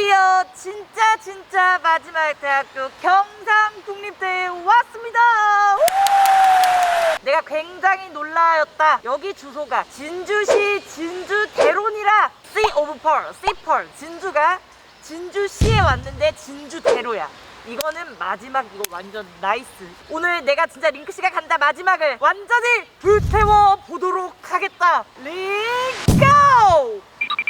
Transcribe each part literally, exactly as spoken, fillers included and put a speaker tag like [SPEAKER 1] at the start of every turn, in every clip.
[SPEAKER 1] 드디어 진짜 진짜 마지막 대학교 경상국립대에 왔습니다. 내가 굉장히 놀라였다. 여기 주소가 진주시 진주대로니라. C of Pearl, C Pearl. 진주가 진주시에 왔는데 진주대로야. 이거는 마지막. 이거 완전 나이스. 오늘 내가 진짜 링크씨가 간다 마지막을 완전히 불태워 보도록 하겠다. 링 고!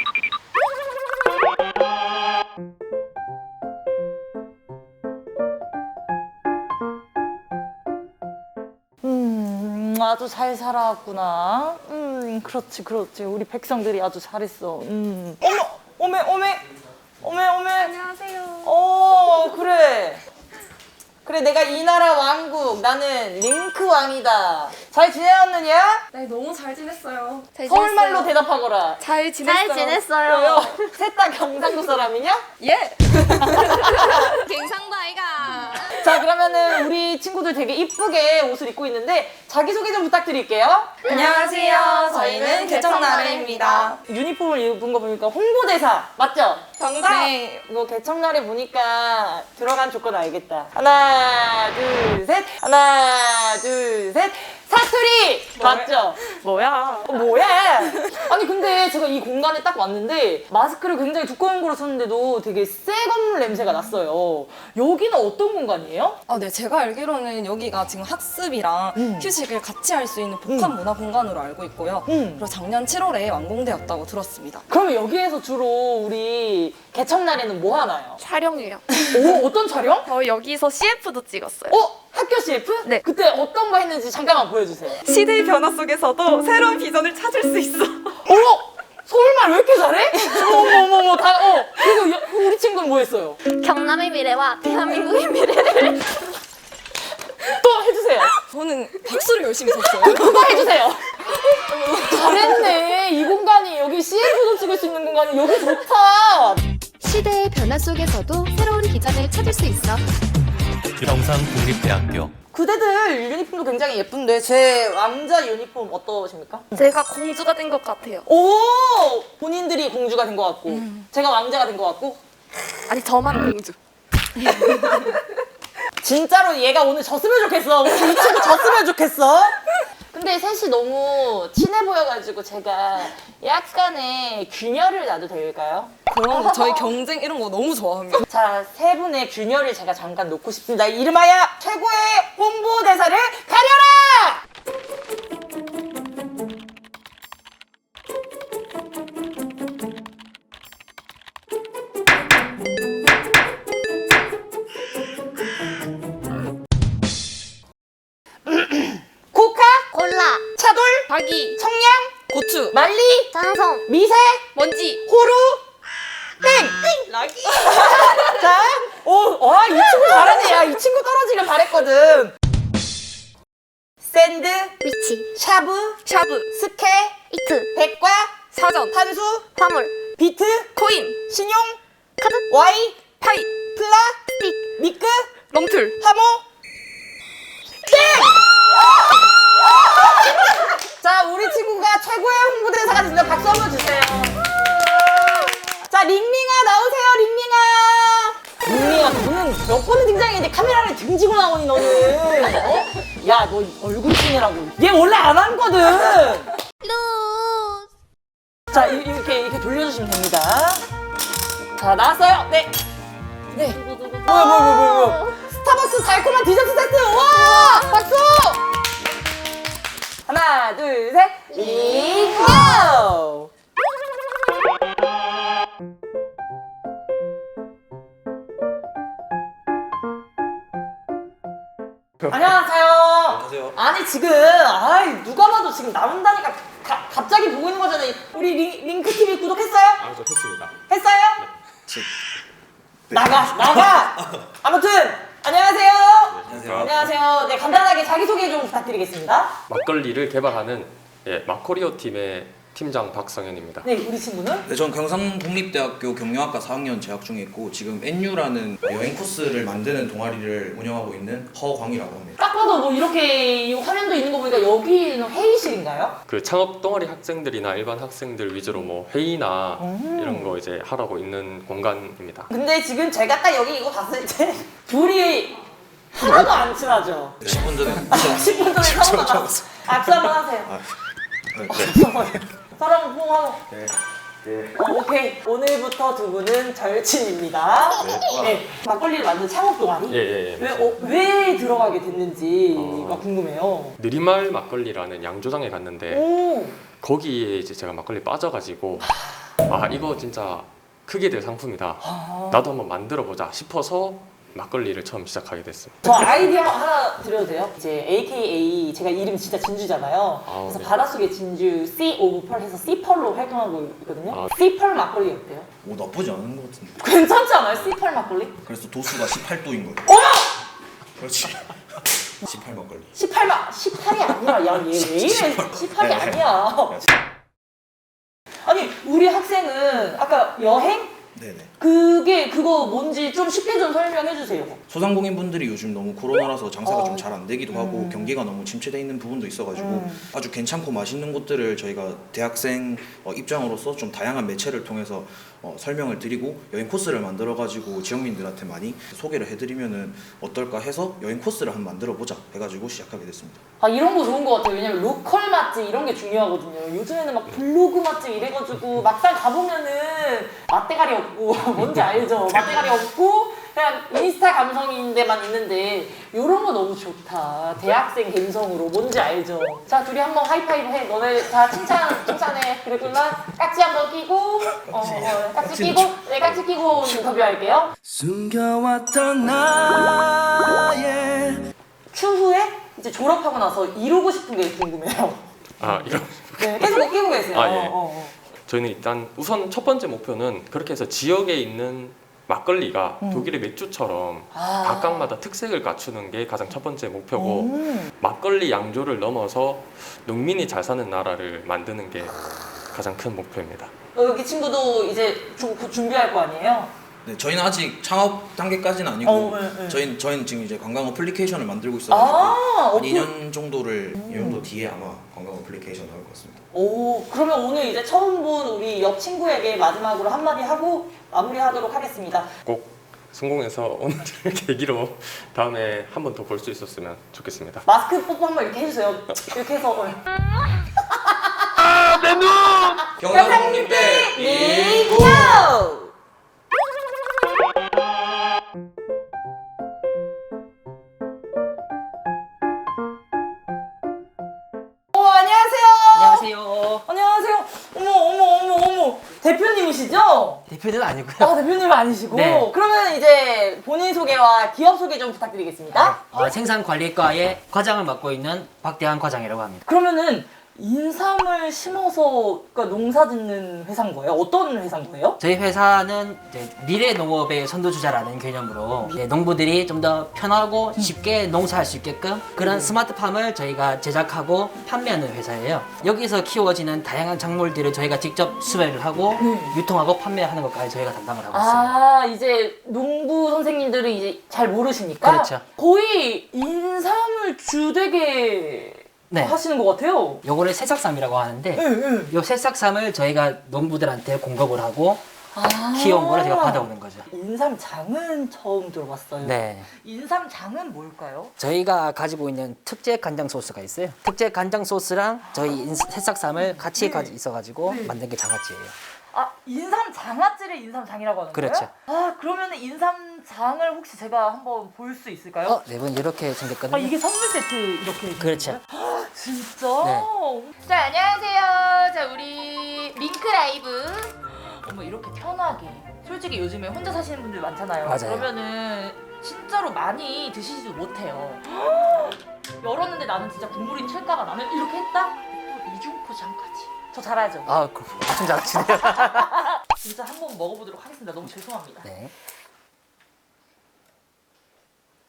[SPEAKER 1] 음, 아주 잘 살아왔구나. 음, 그렇지, 그렇지. 우리 백성들이 아주 잘했어. 음. 어머, 어메, 어메, 어메, 어메.
[SPEAKER 2] 안녕하세요.
[SPEAKER 1] 어, 그래. 그래, 내가 이 나라 왕국, 나는 링크 왕이다. 잘 지내었느냐?
[SPEAKER 2] 네, 너무 잘 지냈어요. 잘
[SPEAKER 1] 서울말로 대답하거라.
[SPEAKER 2] 잘 지냈어요.
[SPEAKER 3] 잘 지냈어요.
[SPEAKER 1] 셋 다 경상도 사람이냐?
[SPEAKER 2] 예.
[SPEAKER 3] 갱상도 아이가.
[SPEAKER 1] 자, 그러면은 우리 친구들 되게 이쁘게 옷을 입고 있는데 자기소개 좀 부탁드릴게요.
[SPEAKER 2] 안녕하세요. 저희는 개청나래입니다.
[SPEAKER 1] 유니폼을 입은 거 보니까 홍보대사 맞죠?
[SPEAKER 2] 정답.
[SPEAKER 1] 네, 이거 개청나래 보니까 들어간 조건 알겠다. 하나, 둘, 셋. 하나, 둘, 셋. 사투리! 맞죠?
[SPEAKER 2] 뭐야?
[SPEAKER 1] 어, 뭐야? 아니 근데 제가 이 공간에 딱 왔는데 마스크를 굉장히 두꺼운 거로 썼는데도 되게 새 건물 냄새가 났어요. 여기는 어떤 공간이에요?
[SPEAKER 2] 아, 네. 제가 알기로는 여기가 지금 학습이랑
[SPEAKER 1] 음.
[SPEAKER 2] 휴식을 같이 할 수 있는 복합 문화 공간으로 알고 있고요.
[SPEAKER 1] 음.
[SPEAKER 2] 그리고 작년 칠월에 완공되었다고 들었습니다.
[SPEAKER 1] 그러면 여기에서 주로 우리 개청날에는 뭐 하나요?
[SPEAKER 3] 촬영이에요.
[SPEAKER 1] 오, 어떤 촬영?
[SPEAKER 3] 저 여기서 씨에프도 찍었어요.
[SPEAKER 1] 어? 학교 씨에프?
[SPEAKER 3] 네.
[SPEAKER 1] 그때 어떤 거 했는지 잠깐만 보여주세요.
[SPEAKER 2] 시대의 변화 속에서도 새로운 비전을 찾을 수 있어.
[SPEAKER 1] 어머! 서울말 왜 이렇게 잘해? 어머머머머 다, 어. 그리고 여- 우리 친구는 뭐 했어요?
[SPEAKER 3] 경남의 미래와 대한민국의 미래를.
[SPEAKER 1] 또 해주세요.
[SPEAKER 2] 저는 박수를 열심히 쳤어요.
[SPEAKER 1] 그거 해주세요. 잘했네. 이 공간이 여기 씨에프도 찍을 수 있는 공간이 여기 좋다.
[SPEAKER 4] 시대의 변화 속에서도 새로운 비전을 찾을 수 있어.
[SPEAKER 5] 경상국립대학교
[SPEAKER 1] 그대들 유니폼도 굉장히 예쁜데 제 왕자 유니폼 어떠십니까?
[SPEAKER 3] 제가 공주가 된 것 같아요.
[SPEAKER 1] 오! 본인들이 공주가 된 것 같고 제가 왕자가 된 것 같고
[SPEAKER 3] 아니 저만 공주.
[SPEAKER 1] 진짜로 얘가 오늘 졌으면 좋겠어. 오늘 이 친구 졌으면 좋겠어. 근데 셋이 너무 친해 보여가지고 제가 약간의 균열을 놔도 될까요?
[SPEAKER 2] 그런 거, 저희 경쟁 이런 거 너무 좋아합니다.
[SPEAKER 1] 자, 세 분의 균열을 제가 잠깐 놓고 싶습니다. 이름하여 최고의 홍보대사를 가려라! 코카,
[SPEAKER 3] 콜라,
[SPEAKER 1] 차돌,
[SPEAKER 3] 박이,
[SPEAKER 1] 청량,
[SPEAKER 2] 고추.
[SPEAKER 1] 말리,
[SPEAKER 3] 장성,
[SPEAKER 1] 미세,
[SPEAKER 3] 먼지.
[SPEAKER 1] 호루, 땡!
[SPEAKER 2] 락이.
[SPEAKER 1] 자, 오, 와, 이 친구 잘하네. 야, 이 친구 떨어지길 바랬거든. 샌드,
[SPEAKER 3] 위치,
[SPEAKER 1] 샤브,
[SPEAKER 2] 샤브.
[SPEAKER 1] 스케,
[SPEAKER 3] 이트,
[SPEAKER 1] 백과,
[SPEAKER 2] 사전.
[SPEAKER 1] 탄수,
[SPEAKER 3] 화물,
[SPEAKER 1] 비트,
[SPEAKER 2] 코인.
[SPEAKER 1] 신용,
[SPEAKER 3] 카드,
[SPEAKER 1] 와이,
[SPEAKER 2] 파이.
[SPEAKER 1] 플라,
[SPEAKER 3] 스틱,
[SPEAKER 1] 미끄,
[SPEAKER 2] 럼틀.
[SPEAKER 1] 하모, 땡! 자, 우리 친구가 최고의 홍보대사가 됐습니다. 박수 한번 주세요. 자, 링링아 나오세요, 링링아. 링링아, 너는 몇 번은 등장했는데 카메라를 등지고 나오니, 너는. 어? 야, 너 얼굴 찍느라고. 얘 원래 안 하거든.
[SPEAKER 3] 루즈.
[SPEAKER 1] 자, 이- 이렇게, 이렇게 돌려주시면 됩니다. 자, 나왔어요. 네. 네. 뭐야, 뭐야, 뭐야, 뭐야, 뭐야. 스타벅스 달콤한 디저트 세트! 와! 박수! 하나, 둘, 셋. 링고! 안녕하세요.
[SPEAKER 5] 안녕하세요.
[SPEAKER 1] 아니 지금 아이 누가 봐도 지금 나온다니까 가, 갑자기 보고 있는 거잖아요. 우리 링, 링크티비 구독했어요?
[SPEAKER 5] 아, 저 했습니다.
[SPEAKER 1] 했어요? 나가 나가. 아무튼 안녕하세요.
[SPEAKER 5] 안녕하세요.
[SPEAKER 1] 안녕하세요. 네, 간단하게 자기소개 좀 부탁드리겠습니다.
[SPEAKER 5] 막걸리를 개발하는 예, 마코리오 팀의
[SPEAKER 6] 팀장 박성현입니다.
[SPEAKER 1] 네, 우리 친구는?
[SPEAKER 7] 네, 전 경상국립대학교 경영학과 사 학년 재학 중에 있고 지금 엔유라는 여행 코스를 만드는 동아리를 운영하고 있는 허광이라고 합니다.
[SPEAKER 1] 딱 봐도 뭐 이렇게 이 화면도 있는 거 보니까 여기는 회의실인가요?
[SPEAKER 6] 그 창업 동아리 학생들이나 일반 학생들 위주로 뭐 회의나
[SPEAKER 1] 음.
[SPEAKER 6] 이런 거 이제 하라고 있는 공간입니다.
[SPEAKER 1] 근데 지금 제가 딱 여기 이거 봤을 때 둘이 하나도 안 친하죠?
[SPEAKER 7] 십 분 전에
[SPEAKER 1] 십 분 전에 처음 만났어. 악수 한번 하세요.
[SPEAKER 7] 아, 네.
[SPEAKER 1] 서로 한번 포옹하고.
[SPEAKER 7] 네. 네.
[SPEAKER 1] 어, 오케이. 오늘부터 두 분은 절친입니다. 네. 막걸리를 만든 창업 동아리?
[SPEAKER 6] 예, 예, 예.
[SPEAKER 1] 왜, 어, 왜 들어가게 됐는지가
[SPEAKER 6] 어.
[SPEAKER 1] 궁금해요.
[SPEAKER 6] 느리말 막걸리라는 양조장에 갔는데
[SPEAKER 1] 오.
[SPEAKER 6] 거기에 이제 제가 막걸리 빠져가지고 아 이거 진짜 크게 될 상품이다.
[SPEAKER 1] 아.
[SPEAKER 6] 나도 한번 만들어 보자 싶어서 막걸리를 처음 시작하게 됐습니다.
[SPEAKER 1] 저 아이디어 하나 드려도 돼요? 이제 에이케이에이 제가 이름 진짜 진주잖아요.
[SPEAKER 6] 아,
[SPEAKER 1] 그래서
[SPEAKER 6] 네.
[SPEAKER 1] 바닷속의 진주 C 오브 펄 해서 C펄로 활동하고 있거든요.
[SPEAKER 6] 아.
[SPEAKER 1] C펄 막걸리 어때요?
[SPEAKER 7] 뭐 나쁘지 않은 것 같은데.
[SPEAKER 1] 괜찮지 않아요? C펄 막걸리?
[SPEAKER 7] 그래서 도수가 십팔 도인 거예요.
[SPEAKER 1] 어머!
[SPEAKER 7] 그렇지. 십팔 막걸리.
[SPEAKER 1] 십팔 막 십팔이 아니라 야얘 왜 이래? 십팔이
[SPEAKER 7] 네.
[SPEAKER 1] 아니야. 아니 우리 학생은 아까 여행?
[SPEAKER 7] 네네.
[SPEAKER 1] 그게 그거 뭔지 좀 쉽게 좀 설명해 주세요.
[SPEAKER 7] 소상공인분들이 요즘 너무 코로나라서 장사가
[SPEAKER 1] 어.
[SPEAKER 7] 좀 잘 안 되기도 하고
[SPEAKER 1] 음.
[SPEAKER 7] 경기가 너무 침체돼 있는 부분도 있어가지고
[SPEAKER 1] 음.
[SPEAKER 7] 아주 괜찮고 맛있는 곳들을 저희가 대학생 어, 입장으로서 좀 다양한 매체를 통해서 어, 설명을 드리고 여행 코스를 만들어가지고 지역민들한테 많이 소개를 해드리면은 어떨까 해서 여행 코스를 한번 만들어보자 해가지고 시작하게 됐습니다.
[SPEAKER 1] 아 이런 거 좋은 거 같아요. 왜냐면 로컬 맛집 이런 게 중요하거든요. 요즘에는 막 블로그 맛집 이래가지고 막상 가보면은 맛대가리 없고 뭔지 알죠? 맛대가리 없고 그냥 인스타 감성인데만 있는데 이런 거 너무 좋다. 대학생 감성으로 뭔지 알죠? 자 둘이 한번 하이파이브 해. 너네 다 칭찬 칭찬해. 그랬구나. 깍지 한번 끼고 어, 어 깍지 끼고 네 깍지 끼고 인터뷰할게요.
[SPEAKER 7] 숨겨왔던 나의
[SPEAKER 1] 추후에 이제 졸업하고 나서 이루고 싶은 게 궁금해요.
[SPEAKER 6] 아 이런
[SPEAKER 1] 네 계속 끼고 계세요.
[SPEAKER 6] 아, 예.
[SPEAKER 1] 어, 어, 어.
[SPEAKER 6] 저희는 일단 우선 첫 번째 목표는 그렇게 해서 지역에 있는 막걸리가
[SPEAKER 1] 음.
[SPEAKER 6] 독일의 맥주처럼
[SPEAKER 1] 아.
[SPEAKER 6] 각각마다 특색을 갖추는 게 가장 첫 번째 목표고
[SPEAKER 1] 음.
[SPEAKER 6] 막걸리 양조를 넘어서 농민이 잘 사는 나라를 만드는 게 가장 큰 목표입니다.
[SPEAKER 1] 어, 여기 친구도 이제 좀 곧 준비할 거 아니에요?
[SPEAKER 7] 네, 저희는 아직 창업 단계까지는 아니고
[SPEAKER 1] 어, 네, 네.
[SPEAKER 7] 저희는 저희는 지금 이제 관광 어플리케이션을 만들고 있어가지고
[SPEAKER 1] 아,
[SPEAKER 7] 한
[SPEAKER 1] 어플-
[SPEAKER 7] 이 년 정도를 이 년도 뒤에 아마 관광 어플리케이션 나올 것 같습니다.
[SPEAKER 1] 오, 그러면 오늘 이제 처음 본 우리 옆 친구에게 마지막으로 한마디 하고 마무리하도록 하겠습니다.
[SPEAKER 6] 꼭 성공해서 오늘 계기로 다음에 한 번 더 볼 수 있었으면 좋겠습니다.
[SPEAKER 1] 마스크 뽀뽀 한번 이렇게 해주세요. 이렇게 해서. 어.
[SPEAKER 7] 경상국립대
[SPEAKER 1] 리고! 어, 안녕하세요.
[SPEAKER 8] 안녕하세요.
[SPEAKER 1] 안녕하세요. 어머, 어머, 어머, 어머. 대표님이시죠?
[SPEAKER 8] 대표는 아니고요.
[SPEAKER 1] 아, 대표님 아니시고.
[SPEAKER 8] 네.
[SPEAKER 1] 그러면 이제 본인 소개와 기업 소개 좀 부탁드리겠습니다.
[SPEAKER 8] 어, 생산관리과의 과장을 맡고 있는 박대한 과장이라고 합니다.
[SPEAKER 1] 그러면은 인삼을 심어서 그러니까 농사 짓는 회사인 거예요? 어떤 회사인 거예요?
[SPEAKER 8] 저희 회사는 이제 미래 농업의 선두주자라는 개념으로 이제 농부들이 좀 더 편하고 쉽게 농사할 수 있게끔 그런 스마트팜을 저희가 제작하고 판매하는 회사예요. 여기서 키워지는 다양한 작물들을 저희가 직접 수배를 하고 유통하고 판매하는 것까지 저희가 담당을 하고 있어요.
[SPEAKER 1] 아 이제 농부 선생님들은 이제 잘 모르시니까
[SPEAKER 8] 그렇죠.
[SPEAKER 1] 거의 인삼을 주되게
[SPEAKER 8] 네.
[SPEAKER 1] 하시는 것 같아요.
[SPEAKER 8] 요거를 새싹삼이라고 하는데
[SPEAKER 1] 응.
[SPEAKER 8] 요 새싹삼을 저희가 농부들한테 공급을 하고
[SPEAKER 1] 아
[SPEAKER 8] 키워온 거를 제가 받아오는 거죠.
[SPEAKER 1] 인삼장은 처음 들어봤어요.
[SPEAKER 8] 네.
[SPEAKER 1] 인삼장은 뭘까요?
[SPEAKER 8] 저희가 가지고 있는 특제 간장 소스가 있어요. 특제 간장 소스랑 저희 인- 새싹삼을 같이 가지 있어가지고 만든 게 장아찌예요.
[SPEAKER 1] 아 인삼 장아찌를 인삼장이라고 하는
[SPEAKER 8] 그렇죠.
[SPEAKER 1] 거예요? 아 그러면 인삼장을 혹시 제가 한번 볼 수 있을까요?
[SPEAKER 8] 어, 네 분 이렇게 생겼거든요.
[SPEAKER 1] 아 이게 선물 세트 이렇게
[SPEAKER 8] 그렇죠.
[SPEAKER 1] 아, 진짜?
[SPEAKER 8] 네.
[SPEAKER 3] 자, 안녕하세요. 자, 우리 링크 라이브.
[SPEAKER 1] 어머 이렇게 편하게 솔직히 요즘에 혼자 사시는 분들 많잖아요.
[SPEAKER 8] 맞아요.
[SPEAKER 1] 그러면은 진짜로 많이 드시지도 못해요. 열었는데 나는 진짜 국물이 튈까봐 나는 이렇게 했다? 또 이중포장까지. 저 잘하죠?
[SPEAKER 8] 아, 그, 엄청 잘하시네요.
[SPEAKER 1] 진짜 한번 먹어보도록 하겠습니다. 너무 죄송합니다.
[SPEAKER 8] 네.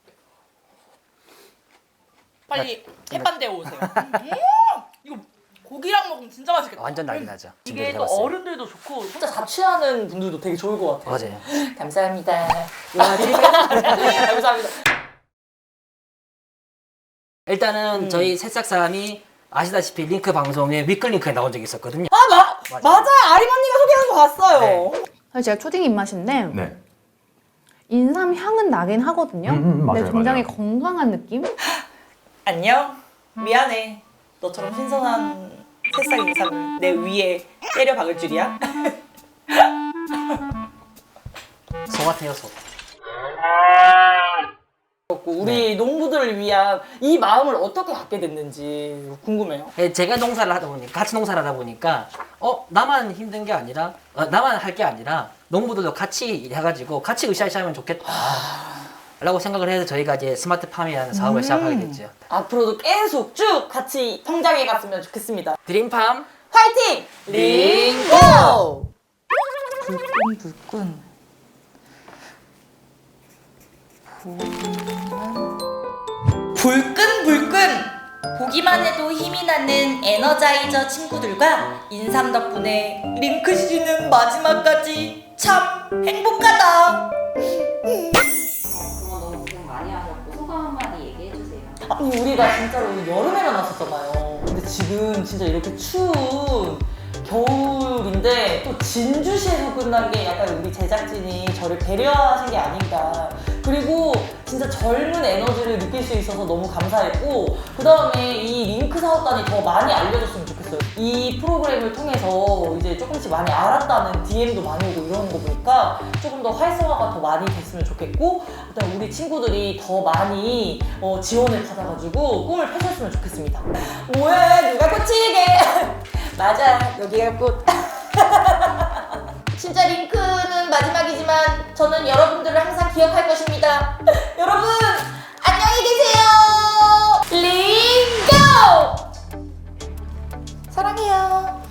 [SPEAKER 1] 빨리 햇반대 오세요. 음, 이거 고기랑 먹으면 진짜 맛있겠다.
[SPEAKER 8] 완전 난리 나죠.
[SPEAKER 1] 이게 또
[SPEAKER 8] 준비해봤어요.
[SPEAKER 1] 어른들도 좋고 진짜 자취하는 분들도 되게 좋을 것 같아요.
[SPEAKER 8] 맞아요.
[SPEAKER 1] 감사합니다. 감사합니다.
[SPEAKER 8] 일단은
[SPEAKER 1] 음.
[SPEAKER 8] 저희 새싹삼이 아시다시피 링크 방송에 위클링크에 나온 적이 있었거든요.
[SPEAKER 1] 아, 마,
[SPEAKER 8] 맞아요.
[SPEAKER 1] 맞아요. 아림 언니가 소개한 거 봤어요.
[SPEAKER 8] 네.
[SPEAKER 9] 사실 제가 초딩 입맛인데
[SPEAKER 10] 네.
[SPEAKER 9] 인삼 향은 나긴 하거든요.
[SPEAKER 10] 음, 음, 맞아요,
[SPEAKER 9] 근데 굉장히
[SPEAKER 10] 맞아요.
[SPEAKER 9] 건강한 느낌?
[SPEAKER 1] 안녕. 미안해. 너처럼 신선한 새싹 인삼을 내 위에 때려 박을 줄이야?
[SPEAKER 8] 소 같아요, 소.
[SPEAKER 1] 우리 농부들을 위한 이 마음을 어떻게 갖게 됐는지 궁금해요.
[SPEAKER 8] 예, 제가 농사를 하다 보니까 같이 농사를 하다 보니까 어 나만 힘든 게 아니라 어, 나만 할 게 아니라 농부들도 같이 해가지고 같이 으쌰으쌰하면 좋겠다 라고 생각을 해서 저희가 이제 스마트팜이라는 사업을 시작하게 됐죠.
[SPEAKER 1] 앞으로도 계속 쭉 같이 성장해 갔으면 좋겠습니다.
[SPEAKER 8] 드림팜
[SPEAKER 1] 화이팅! 링고! 불끈 불끈 불끈 불끈 보기만 해도 힘이 나는 에너자이저 친구들과 인삼 덕분에 링크 시즌은 마지막까지 참 행복하다.
[SPEAKER 3] 너무 고생 많이 하셨고 소감 한마디 얘기해 주세요.
[SPEAKER 1] 아니 우리가 진짜로 여름에만 왔었잖아요. 근데 지금 진짜 이렇게 추운 겨울인데 또 진주시에서 끝난 게 약간 우리 제작진이 저를 배려하신 게 아닌가. 그리고 진짜 젊은 에너지를 느낄 수 있어서 너무 감사했고, 그 다음에 이 링크 사업단이 더 많이 알려졌으면 좋겠어요. 이 프로그램을 통해서 이제 조금씩 많이 알았다는 디엠도 많이 오고 이러는 거 보니까 조금 더 활성화가 더 많이 됐으면 좋겠고, 그다음에 우리 친구들이 더 많이 어, 지원을 받아가지고 꿈을 펼쳤으면 좋겠습니다. 뭐야, 누가 꽃이게? 맞아, 여기가 꽃. 진짜 링크는 마지막이지만 저는 여러분들을 항상 기억할 것입니다. 여러분, 안녕히 계세요. 링고! 사랑해요.